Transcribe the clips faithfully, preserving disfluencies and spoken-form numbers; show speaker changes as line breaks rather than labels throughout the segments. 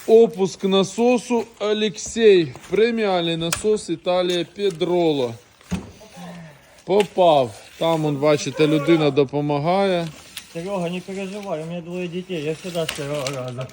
Опуск насосу Алексей. Преміальний насос Італія Педроло. Попав. Там, он, бачите, людина допомагає.
Серега, не переживай, у меня двое детей, я всегда с первого раза.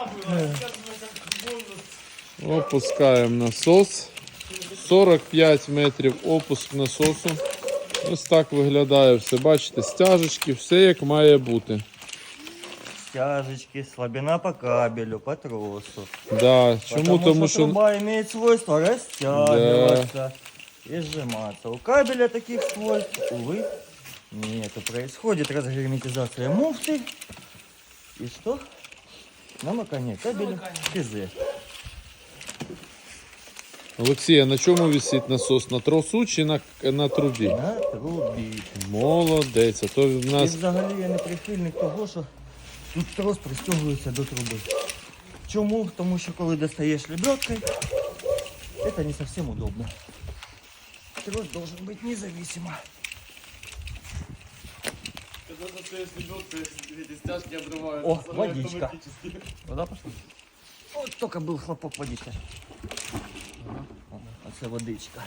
Опускаємо насос. сорок п'ять метрів опуск насосу. Ось так виглядає все. Бачите, стяжечки, все як має бути.
Стяжечки, слабина по кабелю, по тросу.
Да. Чому?
Потому,
Тому
что
що
труба имеет свойство растягиваться и сжиматься. У кабеля таких свойств, увы, нету. Происходит разгерметизация муфты. И что? Намокание кабеля КЗ.
Олексій, а на чому висить насос? На тросу чи на, на трубі?
На трубі.
Молодець. А то в
І
нас
взагалі я не прихильник того, що тут трос пристягується до труби. Чому? Тому що коли достаєш лебедкою, це не зовсім удобно. Трос должен бути независимо.
Когда достаешь лебедку, эти стяжки обрывают.
О,
Оставляют
водичка.
автоматически.
Вода пошла? Вот только был хлопок водичка. А це водичка.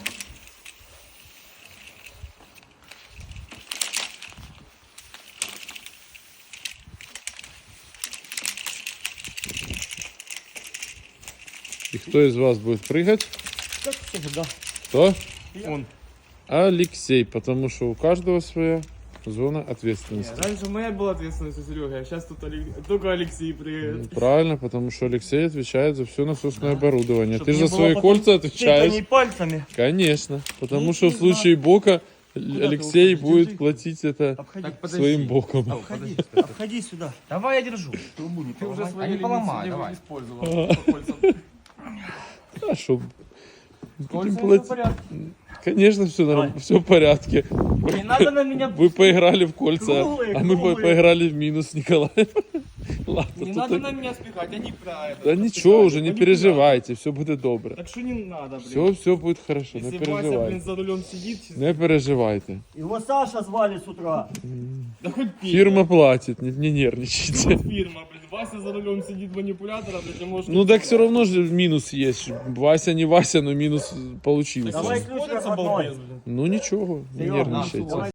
і хто із вас буде пригати?
Как всегда.
Хто?
Он.
Алексей, потому что у каждого своя зона ответственности.
Раньше моя была ответственность у Сереги, а сейчас тут Олег- только Алексей приедет.
Правильно, потому что Алексей отвечает за все насосное оборудование.
Чтоб
Ты
не
за
было
свои
потом
кольца отвечаешь.
тыканий пальцами.
Конечно, потому
Ну,
что
не
в случае бока
ты
Алексей
уходишь?
будет
Держи.
платить это
Обходи.
Так, подожди.
своим боком.
Обходи, обходи сюда.
Давай я держу.
Трубу не
Ты уже
поломай.
свои
А не
лимиты
поломай,
не
давай.
использовал по кольцам.
А что?
С
Будем
кольцами всё в
платить.
порядке.
Конечно, все нормально, все в порядке.
Не надо на меня...
Вы поиграли в кольца,
Круглые,
а мы по-
круглые.
поиграли в минус, Николай. Ладно,
Не
тут
надо
так-
на меня спихать, они про это.
Да ничего уже, не переживайте, все будет добре.
Так что не надо, блин.
Все, все будет хорошо, не
Если Вася, блин,
переживайте.
за рулем сидит,
Не переживайте.
Его Саша звали с утра.
да хоть Петя.
Фирма платит, не, не нервничайте.
Фирма, блин. Вася за рулем сидит манипулятора, блин, ты можешь...
Ну так все равно же минус есть. Вася не Вася, но минус получился.
Давай ключ
Сходится
родной.
балбес, блин.
Ну ничего, не
Серёга,
нервничайте.